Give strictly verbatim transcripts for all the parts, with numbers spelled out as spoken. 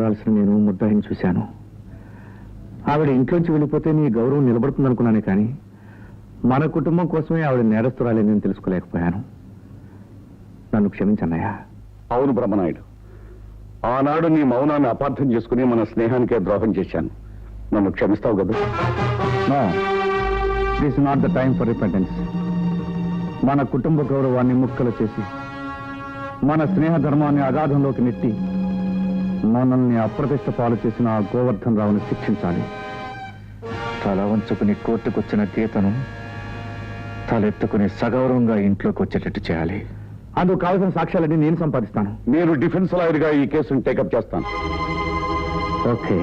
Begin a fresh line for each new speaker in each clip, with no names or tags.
పడాల్సిన నేను ముద్దాయిని చూశాను. ఆవిడ ఇంట్లోంచి వెళ్ళిపోతే నీ గౌరవం నిలబడుతుందనుకున్నానే కానీ మన కుటుంబం కోసమే ఆవిడ నేరస్తురాలేని నేను తెలుసుకోలేకపోయాను. నన్ను క్షమించన్నయ్యా.
అవును బ్రహ్మనాయుడు, ఆనాడు నీ మౌనాన్ని అపార్థం చేసుకుని మన స్నేహానికే ద్రోహం చేశాను. నన్ను క్షమిస్తావు కదా?
No, this not the time for repentance. మన కుటుంబ గౌరవాన్ని ముక్కలు చేసి మన స్నేహ ధర్మాన్ని అగాధంలోకి నెట్టి మనల్ని అప్రతిష్ట పాలు చేసిన ఆ గోవర్ధన్ రావుని శిక్షించాలి. తల వంచుకుని కోర్టుకొచ్చిన గీతను తలెత్తుకుని సగౌరవంగా ఇంట్లోకి వచ్చేటట్టు చేయాలి. అందుకు కావాల్సిన సాక్ష్యాలన్నీ నేను సంపాదిస్తాను.
నేను డిఫెన్స్ లాయర్గా ఈ కేసును టేకప్ చేస్తాను.
ఓకే.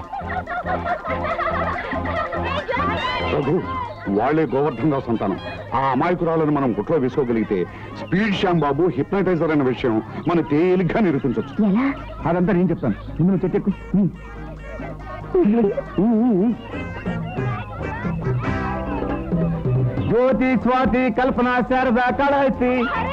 రఘు, వాళ్లే గోవర్ధన్ రావు సంతానం. ఆ అమాయకురాలను మనం గుట్లో వేసుకోగలిగితే స్పీడ్ శ్యాంబాబు హిప్నటైజర్ అనే విషయం మనం తేలిగ్గా నిరూపించవచ్చు.
అదంతా నేను చెప్తాను. ముందు చెట్టెక్కు. జ్యోతి, స్వాతి, కల్పన, శారద, కళాయితి.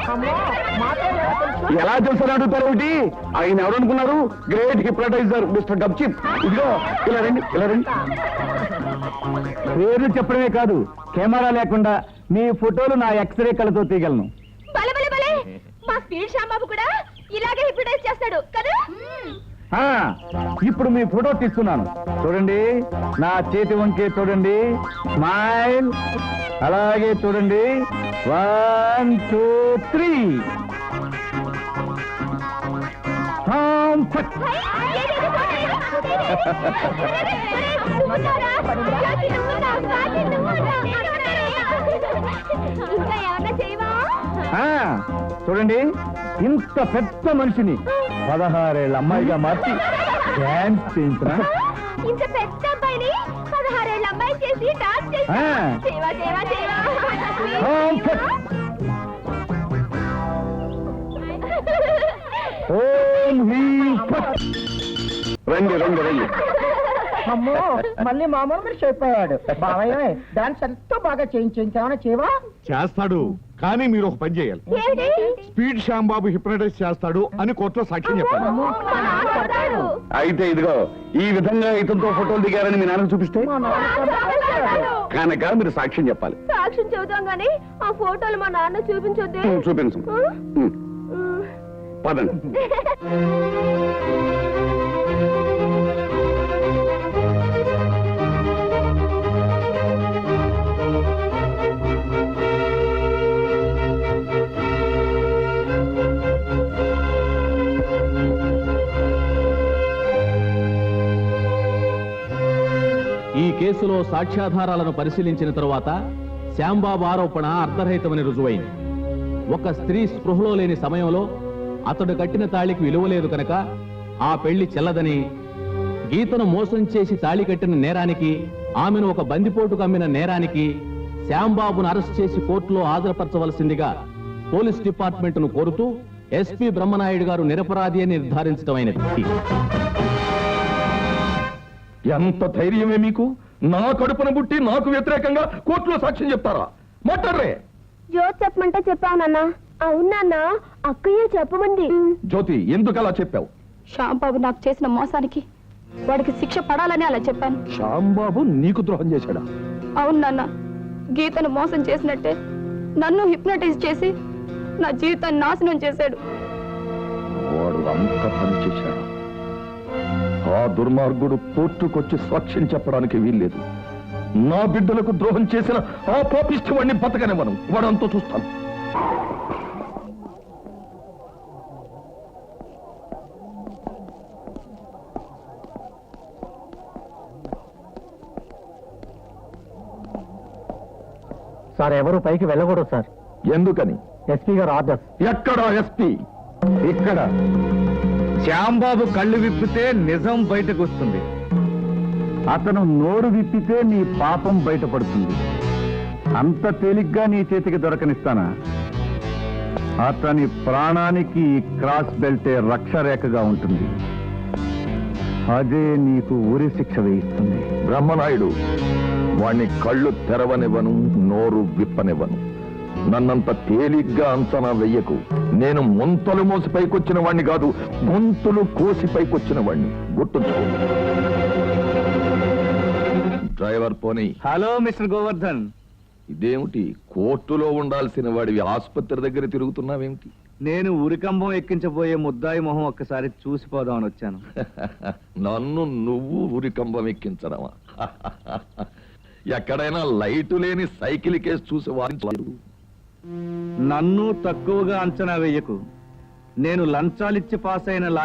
ఎలా తెలుసని అడుగుతారు ఒకటి? ఆయన ఎవరనుకున్నారు? గ్రేట్ హిప్నటైజర్ మిస్టర్ గబ్చిప్. ఇదిగో ఇలా రండి, ఇలా రండి.
పేర్లు చెప్పడమే కాదు, కెమెరా లేకుండా మీ ఫోటోలు నా ఎక్స్రే కళ్ళతో తీయగలను.
మా స్పీడ్ శ్యాంబాబు కూడా ఇలాగే హిప్నటైజ్ చేస్తాడు కదా.
ఇప్పుడు మీ ఫోటో తీస్తున్నాను, చూడండి. నా చేతి వంకే చూడండి, స్మైల్. అలాగే చూడండి. One two three. చూడండి, ఇంత పెద్ద మనిషిని పదహారేళ్ళ అమ్మాయిగా మార్చి డాన్స్ చేయించిన.
ఇంత పెద్ద అబ్బాయిని పదహారేళ్ళ అమ్మాయి చేసి డాన్స్ చేసి సేవా సేవా సేవా.
రండి రండి రండి.
అమ్మో, మళ్ళీ మామూలు మనిషి అయిపోయాడు. బావయ్య, డాన్స్ ఎంతో బాగా చేయించేమన్నా చేవా?
చేస్తాడు, కానీ మీరు ఒక పని చేయాలి. స్పీడ్ శ్యాంబాబు హిప్నటైజ్ చేస్తాడు అని కోర్టులో సాక్ష్యం చెప్పాలి. అయితే ఇదిగో ఈ విధంగా ఇతనితో ఫోటోలు దిగారని మీ నాన్నకు చూపిస్తే కనుక మీరు సాక్ష్యం చెప్పాలి.
సాక్ష్యం చెబుతాం గానీ ఆ ఫోటోలు మా నాన్న చూపించొద్దే.
చూపించు. పదండి.
ఈ కేసులో సాక్ష్యాధారాలను పరిశీలించిన తరువాత శ్యాంబాబు ఆరోపణ అర్థరహితమని రుజువైంది. ఒక స్త్రీ స్పృహలో లేని సమయంలో అతడు కట్టిన తాళికి విలువలేదు కనుక ఆ పెళ్లి చెల్లదని, గీతను మోసం చేసి తాళి కట్టిన నేరానికి, ఆమెను ఒక బందిపోటుకు అమ్మిన నేరానికి శ్యాంబాబును అరెస్ట్ చేసి కోర్టులో హాజరుపరచవలసిందిగా పోలీస్ డిపార్ట్మెంట్ను కోరుతూ ఎస్పీ బ్రహ్మనాయుడు గారు నిరపరాధి అని నిర్ధారించడమైనది.
ఎంత ధైర్యమే మీకు? నా కడుపున పుట్టి నాకు వ్యతిరేకంగా కోర్టులో సాక్ష్యం చెప్తారా? మాట్లాడరే.
జ్యోతి చెప్పమంటే చెప్పావు నాన్న. అవునా, అక్కయ్య చెప్పమంది.
జ్యోతి, ఎందుకు అలా చెప్పావు?
శ్యాంబాబు నాకు చేసిన మోసానికి వాడికి శిక్ష పడాలని అలా చెప్పాను.
శ్యాంబాబు నీకు ద్రోహం చేశాడా?
అవును నాన్న, గీతను మోసం చేసినట్టే నన్ను హిప్నటైజ్ చేసి నా జీవితాన్ని నాశనం చేశాడు.
వాడు అంత పని చేశాడు. ఆ దుర్మార్గుడు కోర్టుకొచ్చి సాక్ష్యం చెప్పడానికి వీల్లేదు. నా బిడ్డలకు ద్రోహం చేసిన ఆ పాపిష్టి వాడిని బతకనివ్వను. వాడంతో చూస్తాను.
సార్, ఎవరు పైకి వెళ్ళకూడదు సార్.
ఎందుకని?
ఎస్పీ గారు ఆర్డర్స్.
ఎక్కడ ఎస్పీ?
ఇక్కడ. శ్యాంబాబు కళ్ళు విప్పితే నిజం బయటకు వస్తుంది, అతను నోరు విప్పితే నీ పాపం బయటపడుతుంది. అంత తేలిగ్గా నీ చేతికి దొరకనిస్తానా? అతని ప్రాణానికి క్రాస్ బెల్టే రక్షరేఖగా ఉంటుంది. అదే నీకు ఉరి శిక్ష వేయిస్తుంది.
బ్రహ్మనాయుడు, వాణ్ణి కళ్ళు తెరవనివ్వను, నోరు విప్పనివ్వను. నన్నంత తేలిగ్గా అంచనా వెయ్యకు. నేను ముంతలు మోసి పైకొచ్చిన వాణ్ణి కాదు, గొంతులు కోసి పైకొచ్చిన వాణ్ణి. గుర్తుంచుకో. డ్రైవర్ పోనీ.
Hello mister Govardhan.
ఇదేమిటి, కోర్టులో ఉండాల్సిన వాడివి ఆసుపత్రి దగ్గర తిరుగుతున్నావేమిటి?
నేను ఉరికంబం ఎక్కించబోయే ముద్దాయి మొహం ఒక్కసారి చూసిపోదామని వచ్చాను.
నన్ను నువ్వు ఉరికంబం ఎక్కించడమా? ఎక్కడైనా లైటు లేని సైకిల్ కేసు చూసి వారించలేదు.
నన్ను తక్కువగా అంచనా వేయకు. నేను లంచాలిచ్చి పాస్ అయిన